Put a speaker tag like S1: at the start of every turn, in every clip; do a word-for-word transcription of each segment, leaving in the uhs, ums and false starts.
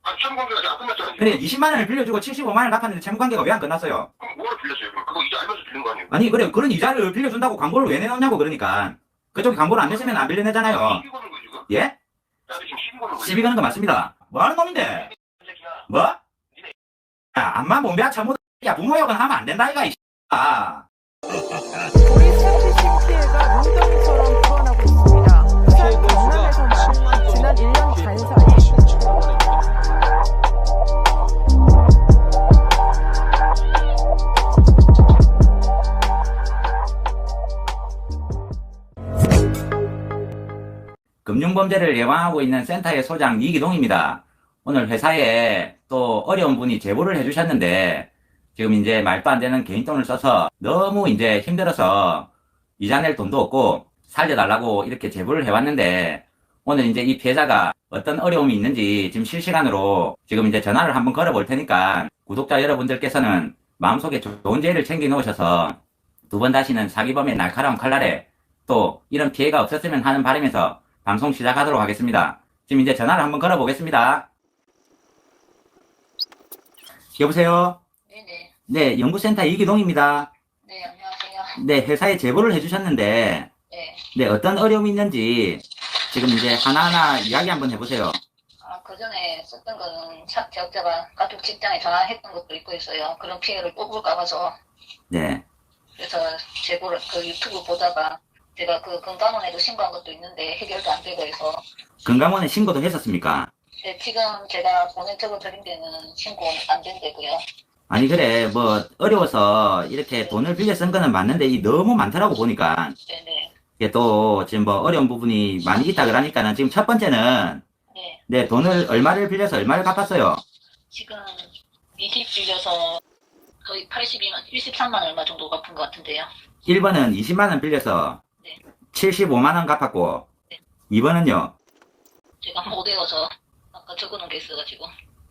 S1: 아니, 채무관계가 아직 안 끝났잖아요.
S2: 그래, 이십만 원을 빌려주고 칠십오만 원을 갚았는데 채무관계가 왜 안 끝났어요?
S1: 그럼 뭐를 빌렸어요? 그럼 그거 이제 알면서 빌린 거 아니에요?
S2: 아니, 그래, 그런 이자를 빌려준다고 광고를 왜 내놓냐고, 그러니까. 그쪽이 광고를 안 냈으면 안 빌려내잖아요.
S1: 시비 거는 거 지금?
S2: 예?
S1: 나한테 지금 시비 거는 거.
S2: 시비 거는 거 맞습니다. 뭐 하는 놈인데? 뭐? 야, 암만 몸배야 잘못, 야, 부모 욕은 하면 안 된다, 이가, 이 아.
S3: 보리스피싱 피해가 문덩이처럼 불어나고 있습니다. 부산 경남에서만 지난 일 년 반 사이
S2: 금융범죄를 예방하고 있는 센터의 소장 이기동입니다. 오늘 회사에 또 어려운 분이 제보를 해주셨는데 지금 이제 말도 안 되는 개인돈을 써서 너무 이제 힘들어서 이자 낼 돈도 없고 살려달라고 이렇게 제보를 해왔는데 오늘 이제 이 피해자가 어떤 어려움이 있는지 지금 실시간으로 지금 이제 전화를 한번 걸어볼 테니까 구독자 여러분들께서는 마음속에 좋은 제의를 챙겨 놓으셔서 두 번 다시는 사기범의 날카로운 칼날에 또 이런 피해가 없었으면 하는 바람에서 방송 시작하도록 하겠습니다. 지금 이제 전화를 한번 걸어보겠습니다. 여보세요?
S4: 네네.
S2: 네, 연구센터 이기동입니다.
S4: 네, 안녕하세요.
S2: 네, 회사에 제보를 해주셨는데
S4: 네.
S2: 네, 어떤 어려움이 있는지 지금 이제 하나하나 이야기 한번 해보세요.
S4: 아, 그 전에 썼던 거는 차, 제작자가 가족 직장에 전화했던 것도 있고 있어요. 그런 피해를 또 볼까 봐서.
S2: 네,
S4: 그래서 제보를 그 유튜브 보다가 제가 그 건강원에도 신고한 것도 있는데 해결도 안 되고 해서.
S2: 건강원에 신고도 했었습니까?
S4: 네, 지금 제가 보낸 적을 드린 데는 신고 안 된다고요.
S2: 아니 그래 뭐 어려워서 이렇게 돈을 빌려 쓴 거는 맞는데 이 너무 많더라고 보니까
S4: 네네.
S2: 이게 또 지금 뭐 어려운 부분이 많이 있다 그러니까는 지금 첫 번째는
S4: 네.
S2: 네, 돈을 얼마를 빌려서 얼마를 갚았어요?
S4: 지금 이십 빌려서 거의 팔십이만, 일십삼만 얼마 정도 갚은 것 같은데요.
S2: 일 번은 이십만 원 빌려서
S4: 네.
S2: 칠십오만 원 갚았고
S4: 네.
S2: 이 번은요?
S4: 제가 못 외워서 아까 적어놓은 게 있어가지고.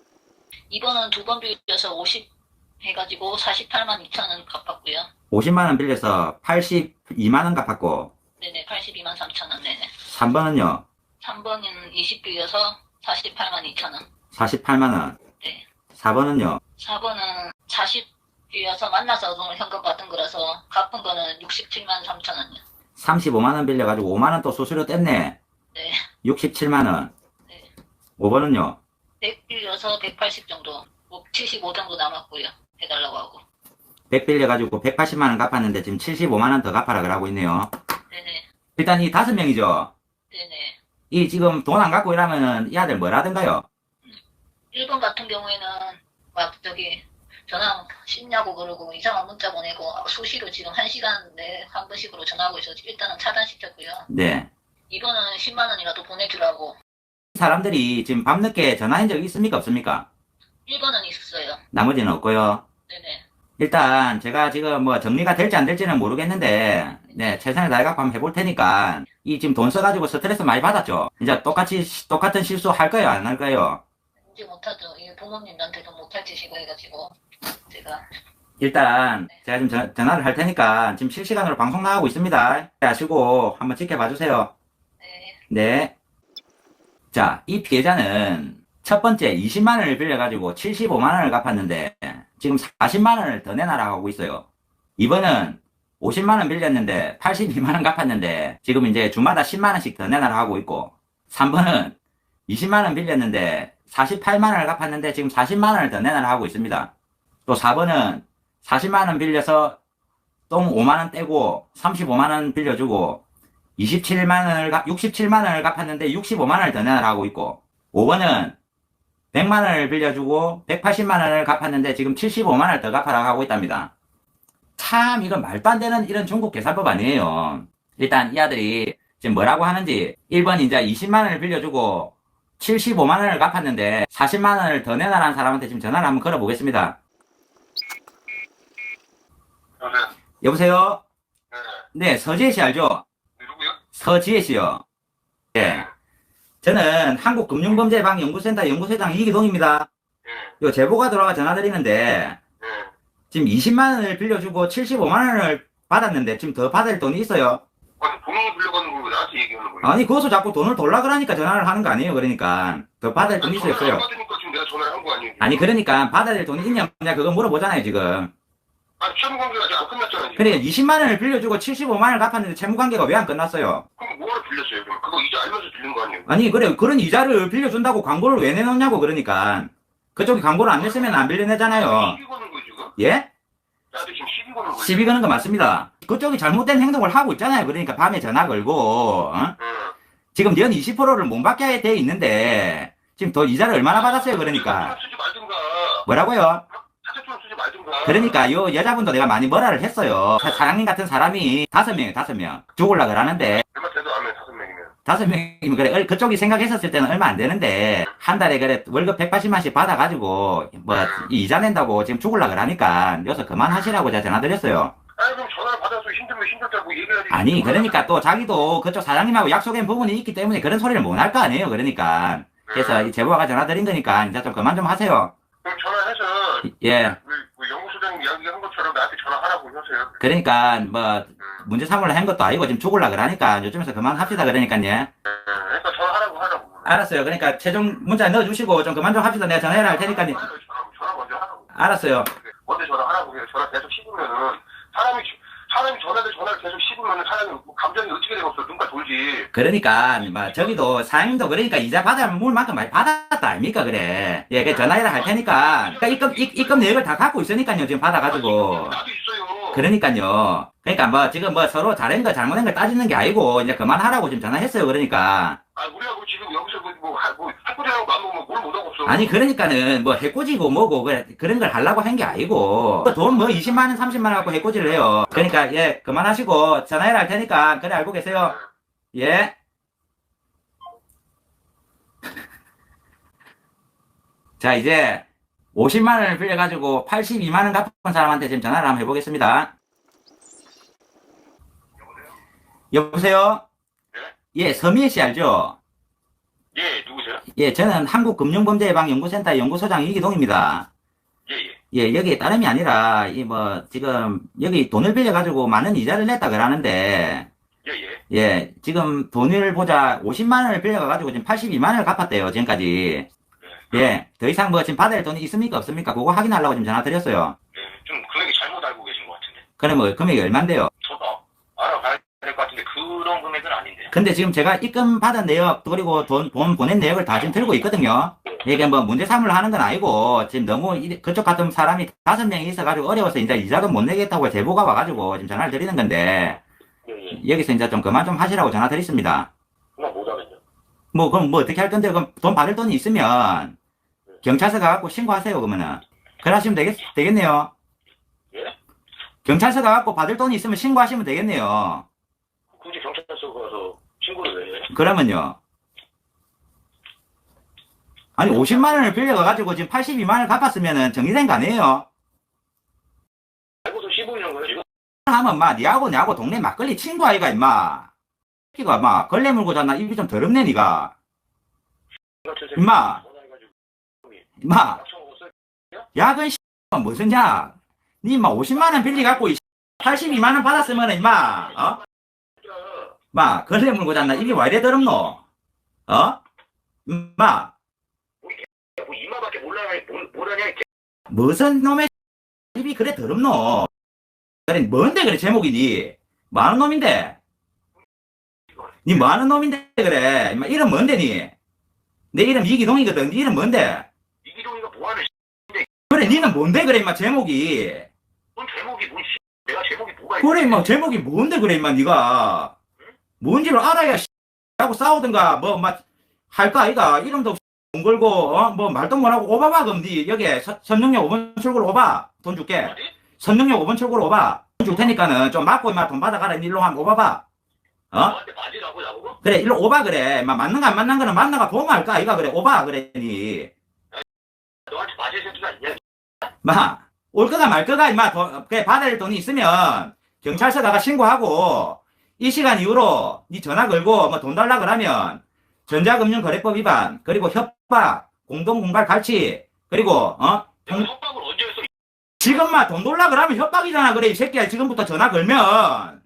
S4: 이번은 두 번 빌려서 오십 해가지고 사십팔만 이천 원 갚았고요.
S2: 오십만 원 빌려서 팔십이만 원 갚았고
S4: 네네, 팔십이만 삼천 원. 네네.
S2: 삼 번은요?
S4: 삼 번은 이십 빌려서 사십팔만 이천 원.
S2: 사십팔만 원.
S4: 네.
S2: 사 번은요?
S4: 사 번은 사십 빌려서 만나서 돈을 현금 받은 거라서 갚은 거는 육십칠만 삼천 원이요.
S2: 삼십오만 원 빌려가지고 오만 원 또 수수료 뗐네.
S4: 네.
S2: 육십칠만 원.
S4: 네.
S2: 오 번은요?
S4: 백 빌려서 백팔십 정도, 뭐 칠십오 정도 남았고요. 해달라고 하고.
S2: 백 빌려가지고 백팔십만 원 갚았는데 지금 칠십오만 원 더 갚아라 그러고 있네요.
S4: 네네.
S2: 일단 이 다섯 명이죠?
S4: 네네.
S2: 이 지금 돈 안 갖고 이러면은 이 아들 뭘 하던가요?
S4: 일 번 같은 경우에는 막 저기 전화 씻냐고 그러고 이상한 문자 보내고 수시로 지금 한 시간 내에 한 번씩으로 전화하고 있어서 일단은 차단시켰고요.
S2: 네.
S4: 이 번은 십만 원이라도 보내주라고.
S2: 사람들이 지금 밤늦게 전화한 적 있습니까? 없습니까?
S4: 일 번은 있었어요.
S2: 나머지는 없고요.
S4: 네네.
S2: 일단 제가 지금 뭐 정리가 될지 안 될지는 모르겠는데 네 최선을 다해갖고 한번 해볼 테니까 이 지금 돈 써가지고 스트레스 많이 받았죠? 이제 똑같이 시- 똑같은 실수 할 거예요? 안 할 거예요?
S4: 이제 못하죠. 이 부모님한테도 못할 짓이고 해가지고 제가.
S2: 일단 제가 지금 전- 전화를 할 테니까 지금 실시간으로 방송 나가고 있습니다. 하시고 한번 지켜봐 주세요.
S4: 네.
S2: 네. 자, 이 피해자는 첫 번째 이십만 원을 빌려가지고 칠십오만 원을 갚았는데 지금 사십만 원을 더 내놔라고 하고 있어요. 이 번은 오십만 원 빌렸는데 팔십이만 원 갚았는데 지금 이제 주마다 십만 원씩 더 내놔라 하고 있고 삼 번은 이십만 원 빌렸는데 사십팔만 원을 갚았는데 지금 사십만 원을 더 내놔라 하고 있습니다. 또 사 번은 사십만 원 빌려서 똥 오만 원 떼고 삼십오만 원 빌려주고 이십칠만 원을 갚, 육십칠만 원을 갚았는데 육십오만 원을 더 내놔라 하고 있고 오 번은 백만 원을 빌려주고 백팔십만 원을 갚았는데 지금 칠십오만 원을 더 갚아라 하고 있답니다. 참 이건 말도 안 되는 이런 중국 계산법 아니에요. 일단 이 아들이 지금 뭐라고 하는지 일 번 이제 이십만 원을 빌려주고 칠십오만 원을 갚았는데 사십만 원을 더 내놔라는 사람한테 지금 전화를 한번 걸어보겠습니다.
S1: 여보세요?
S2: 여보세요?
S1: 네.
S2: 네, 서지혜 씨 알죠?
S1: 누구요?
S2: 서지혜 씨요. 네. 저는 한국금융범죄예방연구센터 연구소장 이기동입니다.
S1: 예.
S2: 요 제보가 들어와 전화드리는데
S1: 예.
S2: 지금 이십만 원을 빌려주고 칠십오만 원을 받았는데 지금 더 받을 돈이 있어요.
S1: 아니, 돈을 빌려가는 걸 왜 나한테 얘기하는 거예요?
S2: 아니 그것도 자꾸 돈을 돌라 그러니까 전화를 하는 거 아니에요. 그러니까 더 받을 돈이 있어요.
S1: 전화를 안
S2: 없어요.
S1: 받으니까 지금 지금 내가 전화를 한 거 아니에요?
S2: 아니 그러니까 받아야 될 돈이 있냐 없냐 그거 물어보잖아요 지금.
S1: 아니, 채무관계가 아직 안 끝났잖아요. 지금.
S2: 그래 이십만 원을 빌려주고 칠십오만 원을 갚았는데 채무관계가 왜 안 끝났어요?
S1: 그럼 뭐하러 빌렸어요? 그럼 그거 이제 알면서 빌린 거 아니에요?
S2: 아니 그래 그런 이자를 빌려준다고 광고를 왜 내놓냐고 그러니까. 그쪽이 광고를 안 냈으면 안 빌려내잖아요.
S1: 시비 거는 거예요 지금?
S2: 예?
S1: 나한테 지금 시비 거는 거예요?
S2: 시비 거는 거 맞습니다. 그쪽이 잘못된 행동을 하고 있잖아요. 그러니까 밤에 전화 걸고 어?
S1: 응.
S2: 지금 연 이십 퍼센트를 못 받게 돼 있는데 지금 더 이자를 얼마나 받았어요 그러니까.
S1: 쓰지 말든가.
S2: 뭐라고요?
S1: 사채처럼 쓰지 말든가.
S2: 그러니까 요 여자분도 내가 많이 뭐라를 했어요. 사- 사장님 같은 사람이 다섯 명이에요 다섯 명 죽을라 그러는데
S1: 얼마 돼도 안 해, 다섯 명이면.
S2: 다섯 명이면 그래 얼- 그쪽이 생각했었을 때는 얼마 안 되는데 한 달에 그래 월급 백팔십만씩 받아가지고 뭐 이자 낸다고 지금 죽을라 그러니까 여기서 그만하시라고 제가 전화드렸어요.
S1: 아니, 그럼 전화를 받아서 힘들면 힘들다고 얘기해야지.
S2: 아니 그러니까 또 자기도 그쪽 사장님하고 약속한 부분이 있기 때문에 그런 소리를 못 할 거 아니에요. 그러니까 그래서 이 제보가 전화드린 거니까 이제 좀 그만 좀 하세요.
S1: 그럼 전화해서
S2: 예.
S1: 그, 그 연구소장님 이야기한 것처럼 나한테 전화하라고 하세요.
S2: 그러니까 뭐 문제 삼으려 한 것도 아니고 지금 죽을라 그러니까 요즘에서 그만합시다 그러니까요.
S1: 네, 그러니까 전화하라고 하라고.
S2: 알았어요. 그러니까 최종 문자 넣어주시고 좀 그만 좀 합시다. 내가 전화해라 할 테니까요.
S1: 전화, 전화 먼저 하라고.
S2: 알았어요.
S1: 먼저 전화하라고 해요. 전화 계속 씹으면은 사람이 사람이 전화를 전화를 계속 씹으면은 사람이 뭐 감정이 어떻게 되겠어? 눈가 돌지.
S2: 그러니까 뭐 저기도 사장님도 그러니까 이자 받을 물만큼 많이 받았다 아닙니까 그래. 예, 그 전화해라 할 테니까. 그러니까 입금 입, 입금 내역을 다 갖고 있으니까요. 지금 받아가지고.
S1: 나도 있어요.
S2: 그러니까요. 그러니까 뭐 지금 뭐 서로 잘한 거 잘못한 걸 따지는 게 아니고 이제 그만하라고 지금 전화했어요. 그러니까.
S1: 아, 우리하고 지금 여기서 뭐, 뭐, 하- 뭐, 학교대하고 마음먹으면 뭘 못하고 없어.
S2: 아니 그러니까는 뭐 해코지고 뭐고 그래, 그런 걸 하려고 한 게 아니고 돈 뭐 이십만 원 삼십만 원 갖고 해코지를 해요. 그러니까 예 그만하시고 전화해라 할 테니까 그래 알고 계세요. 예. 자 이제 오십만 원을 빌려가지고 팔십이만 원 갚은 사람한테 지금 전화를 한번 해보겠습니다. 여보세요? 예, 서미애 씨 알죠?
S1: 예, 누구세요?
S2: 예, 저는 한국금융범죄예방연구센터 연구소장 이기동입니다.
S1: 예, 예.
S2: 예, 여기 다름이 아니라, 이 뭐, 지금, 여기 돈을 빌려가지고 많은 이자를 냈다 그러는데,
S1: 예, 예.
S2: 예, 지금 돈을 보자 오십만 원을 빌려가가지고 지금 팔십이만 원을 갚았대요, 지금까지. 예, 더 이상 뭐 지금 받을 돈이 있습니까, 없습니까? 그거 확인하려고 지금 전화 드렸어요.
S1: 예, 좀 금액이 잘못 알고 계신 것 같은데.
S2: 그럼 뭐, 금액이 얼만데요?
S1: 저도 알아봐야 될 것 같은데 그런 금액은 아닌데.
S2: 근데 지금 제가 입금 받은 내역, 그리고 돈, 돈 보낸 내역을 다 지금 들고 있거든요. 이게 뭐 문제 삼으려 하는 건 아니고, 지금 너무 이- 그쪽 같은 사람이 다섯 명이 있어가지고 어려워서 이제 이자도 못 내겠다고 제보가 와가지고 지금 전화를 드리는 건데,
S1: 예, 예.
S2: 여기서 이제 좀 그만 좀 하시라고 전화 드렸습니다.
S1: 그만 못하겠죠.
S2: 뭐, 그럼 뭐 어떻게 할 건데, 그럼 돈 받을 돈이 있으면, 경찰서 가갖고 신고하세요, 그러면은. 그래 하시면 되겠, 되겠네요.
S1: 예?
S2: 경찰서 가갖고 받을 돈이 있으면 신고하시면 되겠네요.
S1: 굳이 경찰서 가서 신고를 왜 해?
S2: 그러면요. 아니, 오십만 원을 빌려가가지고 지금 팔십이만 원을 갚았으면은 정리된 거 아니에요?
S1: 알고서 씹으려는 거예요, 지금?
S2: 하면 마, 니하고 내하고 동네 막걸리 친구 아이가, 임마. 새끼가 막, 걸레 물고 잤나? 입이 좀 더럽네, 니가. 임마.
S1: 전화해가지고
S2: 임마.
S1: 약속 먹었어요?
S2: 야근 씨, 무슨 야? 니 임마 오십만 원 빌려갖고, 이 팔십이만 원 받았으면, 임마. 어?
S1: 진짜.
S2: 마, 걸레 물고 잤나? 입이 왜 이래 더럽노? 어? 임마.
S1: 뭐 이마밖에 몰라야 뭘, 뭘 하냐, 이 개.
S2: 무슨 놈의 입이 그래 더럽노? 그래 뭔데 그래 제목이 니 뭐하는 놈인데? 니 뭐하는 놈인데 그래? 임마 이름 뭔데 니? 내 이름 이기동이거든. 니 이름 뭔데?
S1: 이기동이가 뭐하는
S2: 그래 니는 뭔데 그래 임마 제목이?
S1: 뭔 제목이 뭔 씨. 내가 제목이 뭐가
S2: 그래 임마 제목이 뭔데 그래 임마 니가? 뭔지를 알아야 씨 하고 싸우든가 뭐 막 할까 아이가 이름도 없이 돈 걸고 어? 뭐 말도 못하고 오바봐 그럼 니 여기 서- 선릉역 오 번 출구로 오바 돈 줄게.
S1: 어디?
S2: 선릉역 오 번 출구로 오바 돈 줄 테니까는 좀 맞고 임마 돈 받아가라 일로 한번 오바봐. 어?
S1: 너한테 맞으라고 나보고?
S2: 그래 일로 오바 그래 임마 맞는 거 안 맞는 거는 만나가 보면 할까 아이가 그래 오바 그래 니.
S1: 너한테 맞을 생각 있냐?
S2: 마, 올 거가 말 거가, 임마, 돈, 그래, 받을 돈이 있으면, 경찰서 가가 신고하고, 이 시간 이후로, 니 전화 걸고, 뭐 돈 달라 그러면, 전자금융거래법 위반, 그리고 협박, 공동공갈 갈취, 그리고, 어?
S1: 내가 협박을 언제 했어?
S2: 지금 마, 돈 달라 그러면 협박이잖아, 그래, 이 새끼야. 지금부터 전화 걸면.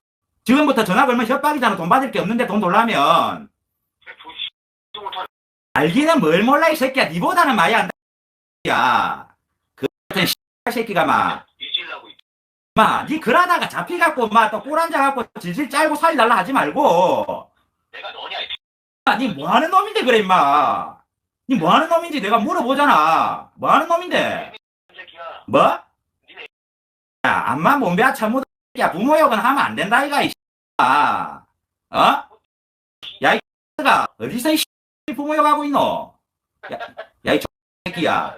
S2: 지금부터 전화 걸면 협박이잖아. 돈 받을 게 없는데 돈 달라면.
S1: 돈 씨. 못하는
S2: 알기는 뭘 몰라 이 새끼야. 니보다는 많이 안다. 야, 그 같은 새끼가 막,
S1: 잊으려고.
S2: 마, 니 그러다가 잡히갖고 막 또 꼴 앉아갖고 질질 짤고 살이 날라 하지 말고.
S1: 내가 너냐, 이
S2: 아, 니 뭐하는 놈인데 그래 임마. 니 뭐하는 놈인지 내가 물어보잖아. 뭐하는 놈인데?
S1: 새끼야.
S2: 뭐? 야, 암만 몸배아 참무도 야 부모 욕은 하면 안 된다 이가 이 아, 어? 야 이 가 어디서 이 부모 욕하고 있노? 야, 야 이 새끼야.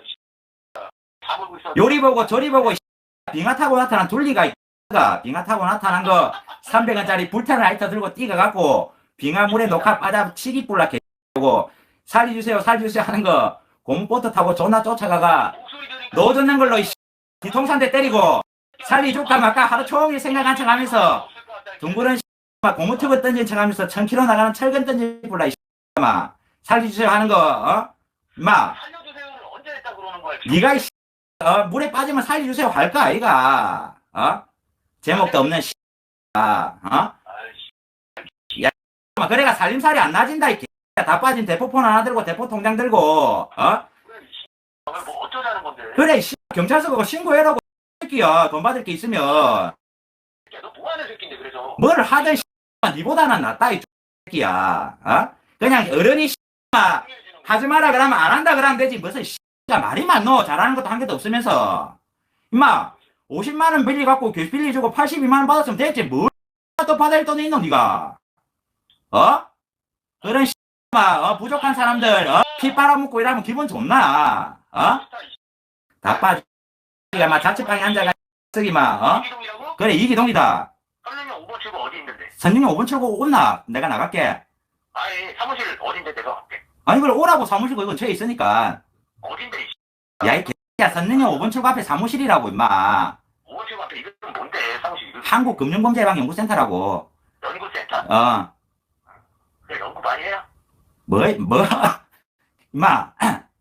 S1: 다 물고 있어.
S2: 요리 보고 저리 보고 이 빙하 타고 나타난 둘리가 이 가 빙하 타고 나타난 거 삼백 원짜리 불타는 라이터 들고 뛰어갖고 빙하 물에 녹화 빠져 치기 뿔락 해고 살려주세요 살려주세요 하는 거 고무보트 타고 존나 쫓아가가
S1: 목소리 들으니까
S2: 넣어줬는 걸로 이 뒤통수한테 때리고 살리줄까 말까 하루 종일 생각한 척 하면서 둥그런 막 고무튜브 던진 척 하면서 천 킬로 나가는 철근 던진 뿔라 이 막 살려주세요 하는 거 어? 마
S1: 살려주세요를 언제 했다 그러는 거야?
S2: 니가 이 어, 물에 빠지면 살려주세요 할까 아이가 어? 제목도 없는 씨 아, 어?
S1: 아이씨.
S2: 야, 그래가 살림살이 안 나진다, 이 개야. 다 빠진 대포폰 하나 들고, 대포 통장 들고, 어?
S1: 그래, 이 씨. 뭐 어쩌자는 건데?
S2: 그래, 이 씨, 경찰서 그거 신고해라고, 이 새끼야. 돈 받을 게 있으면.
S1: 야, 너 뭐 하는 새끼인데, 그래서?
S2: 뭘 하든, 씨, 니보다는 낫다, 이 새끼야. 어? 그냥 어른이, 씨, 하지 마라 그러면 안 한다 그러면 되지. 무슨, 씨, 말이 많노. 잘하는 것도 한 개도 없으면서. 임마, 오십만 원 빌려갖고, 교수 빌려주고 팔십이만 원 받았으면 됐지. 뭘, 또 받을 돈이 있노, 니가? 어? 그런 씨, 어, 부족한 사람들, 어? 피 빨아먹고 이러면 기분 좋나? 어? 다 빠지. 가 막 자취방에 앉아가, 쓰기 막, 어?
S1: 이기동이라고?
S2: 그래, 이기동이다.
S1: 선생님 오 번 출구 어디 있는데?
S2: 선생님 오 분 출고 온나? 내가 나갈게.
S1: 아예 사무실 어딘데 내가 갈게.
S2: 아니, 그래, 오라고 사무실 그 근처에 있으니까.
S1: 어딘데, 이 씨.
S2: 야, 이 개야, 선생님 오 분 출구 앞에 사무실이라고, 임마.
S1: 오 번 출구 앞에 이름은 뭔데, 사무실 이름?
S2: 한국금융범죄예방연구센터라고.
S1: 연구센터?
S2: 어,
S1: 그래, 연구 많이 해요.
S2: 뭐, 뭐, 임마.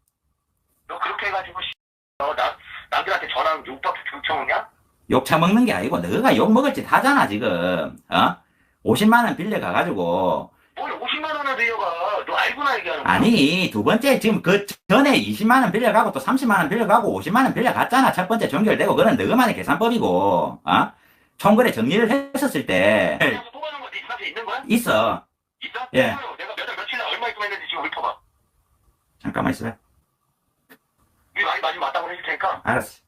S1: 너 그렇게 해가지고, 씨. 너 나, 남들한테 전화하면 욕밖에 경청하냐?
S2: 욕 처먹는 게 아니고, 너가 욕 먹을 짓 하잖아, 지금. 어? 오십만 원 빌려가가지고.
S1: 뭘 오십만 원을 빌려가. 너 알고나 얘기하는 거야.
S2: 아니, 두 번째, 지금 그 전에 이십만 원 빌려가고 또 삼십만 원 빌려가고 오십만 원 빌려갔잖아. 첫 번째 종결되고. 그건 너만의 계산법이고, 어? 총거래 정리를 했었을 때.
S1: 그래서 또 가는 거 네 사실 있는 거야?
S2: 있어.
S1: 있어?
S2: 예.
S1: 내가 몇 달 며칠 날 얼마 입금했는지 지금 읊어봐.
S2: 잠깐만 있어봐.
S1: 이 많이 맞으면 맞다고 해줄 테니까.
S2: 알았어.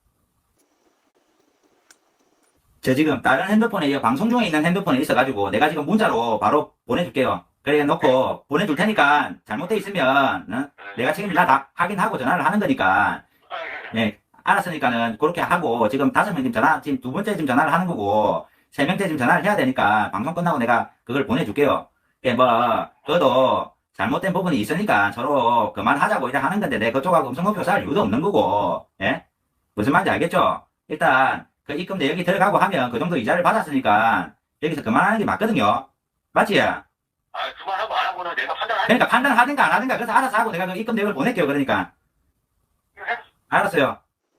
S2: 저 지금 다른 핸드폰에, 이 방송 중에 있는 핸드폰에 있어가지고 내가 지금 문자로 바로 보내줄게요. 그래 놓고 보내줄 테니까 잘못돼 있으면, 어? 내가 책임질 다 확인하고 전화를 하는 거니까.
S1: 아, 예, 예.
S2: 예, 알았으니까는 그렇게 하고 지금 다섯 명 지금 전화 지금 두 번째 지금 전화를 하는 거고 세 명째 지금 전화를 해야 되니까 방송 끝나고 내가 그걸 보내줄게요. 예, 뭐 그것도 잘못된 부분이 있으니까 서로 그만하자고 이제 하는 건데 내 그쪽하고 음성목표 쌓을 이유도 없는 거고 예 무슨 말인지 알겠죠? 일단 그 입금 내역이 들어가고 하면 그 정도 이자를 받았으니까 여기서 그만하는 게 맞거든요. 맞지?
S1: 아, 그만하고 안 하고는 내가 판단하니까.
S2: 그러니까 판단하든가 안 하든가 그래서 알아서 하고 내가 그 입금 내역을 보낼게요. 그러니까 알았어요.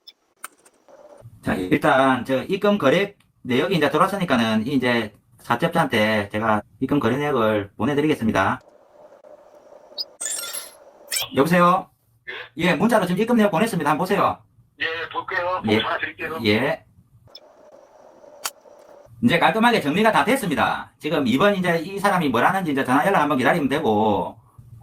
S2: 자, 일단, 저, 입금 거래 내역이 이제 들어왔으니까는, 이제, 사채업자한테 제가 입금 거래 내역을 보내드리겠습니다. 여보세요? 예, 문자로 지금 입금 내역 보냈습니다. 한번 보세요.
S1: 예, 볼게요.
S2: 예.
S1: 전화 드릴게요.
S2: 예. 이제 깔끔하게 정리가 다 됐습니다. 지금 이번 이제 이 사람이 뭘 하는지 이제 전화 연락 한번 기다리면 되고,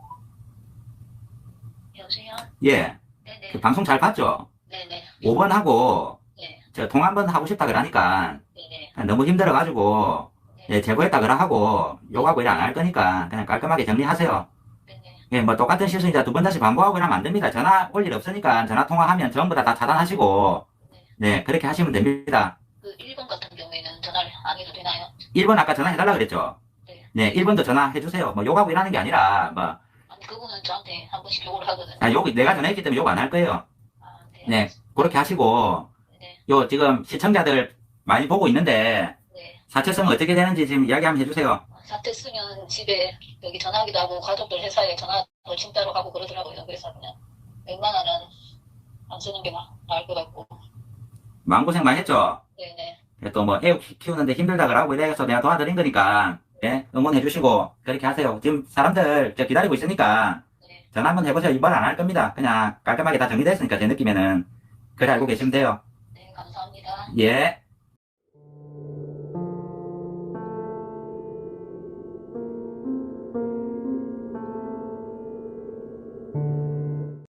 S4: 여보세요?
S2: 예.
S4: 네네.
S2: 그 방송 잘 봤죠?
S4: 네네.
S2: 오 번 하고,
S4: 네.
S2: 저 통화 한 번 하고 싶다 그러니까,
S4: 네네.
S2: 너무 힘들어가지고, 예, 제보했다 그러 하고, 욕하고 일 안 할 거니까, 그냥 깔끔하게 정리하세요.
S4: 네네.
S2: 예, 뭐 똑같은 실수 이제 두 번 다시 반복하고 이러면 안 됩니다. 전화 올 일 없으니까 전화 통화하면 전부 다, 다 차단하시고, 네, 그렇게 하시면 됩니다.
S4: 그 일 번 같은 경우에는 전화를 안 해도 되나요?
S2: 일 번 아까 전화해달라 그랬죠?
S4: 네.
S2: 네, 일 번도 전화해주세요. 뭐 욕하고 일하는 게 아니라, 뭐,
S4: 아니 그분은 저한테 한 번씩 욕을 하거든요.
S2: 아, 욕, 내가 전화했기 때문에 욕 안 할 거예요.
S4: 아, 네.
S2: 네, 그렇게 하시고,
S4: 네.
S2: 요, 지금 시청자들 많이 보고 있는데,
S4: 네.
S2: 사채성 어떻게 되는지 지금 이야기 한번 해주세요.
S4: 사태 쓰면 집에 여기 전화하기도 하고 가족들 회사에 전화도 진짜로 하고 그러더라고요. 그래서 그냥 웬만하면 안 쓰는 게 나- 나을 것 같고.
S2: 마음고생 많이 했죠?
S4: 네네.
S2: 또 뭐 애 키우는데 힘들다 그러고 이래서 내가 도와드린 거니까 예? 응원해 주시고 그렇게 하세요. 지금 사람들 저 기다리고 있으니까
S4: 네.
S2: 전화 한번 해보세요. 이번 안 할 겁니다. 그냥 깔끔하게 다 정리됐으니까 제 느낌에는. 그래 알고 계시면 돼요.
S4: 네, 감사합니다.
S2: 예.